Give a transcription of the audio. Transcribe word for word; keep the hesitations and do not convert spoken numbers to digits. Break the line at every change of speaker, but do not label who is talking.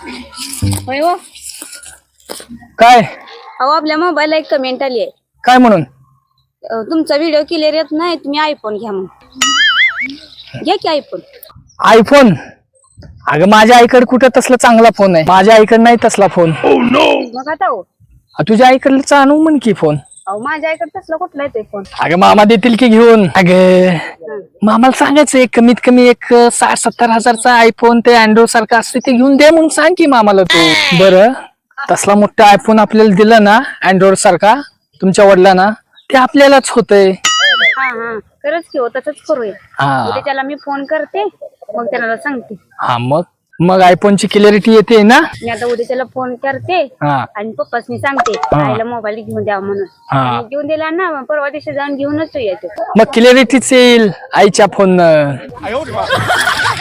होय हो.
काय
अहो आपल्या मोबाईलला एक कमेंट आली आहे.
काय म्हणून?
अ, तुमचा व्हिडिओ क्लिअर येत नाही, तुम्ही आयफोन घ्या म्हणून. घ्या की आयफोन.
आयफोन? अगं माझ्या आईकडे कुठं तसला चांगला फोन आहे, माझ्या आईकडे नाही तसला फोन.
मग आता हो,
तुझ्या आईकडचा आणू म्हण की फोन.
अहो माझ्या आईकडे तसला कुठला येतोय फोन?
अगं मामा देतील की घेऊन. अगं मामाला सांगायचं एक कमीत कमी एक साठ सत्तर हजारचा आयफोन ते अँड्रॉइड सारखं असते ते घेऊन दे म्हणून सांग की मामाला तू. बरं तसला मोठा आयफोन आपल्याला दिला ना अँड्रॉइड सारखा तुमच्या वडिलांना, ते आपल्यालाच होतंय.
हा हा खरंच की हो, तसंच करूया.
हा
उद्या त्याला मी फोन करते, मग त्याला सांगते.
हा मग मग आयफोनची क्लॅरिटी येते ना.
मी आता उद्या त्याला फोन करते
हा
आणि पप्पासनी सांगते आईला मोबाईल घेऊन द्यावा म्हणून.
हा.
आणि घेऊन दिला ना, मग परवा दिवशी जाऊन घेऊनच यायचं.
मग क्लॅरिटीच येईल आईच्या फोन.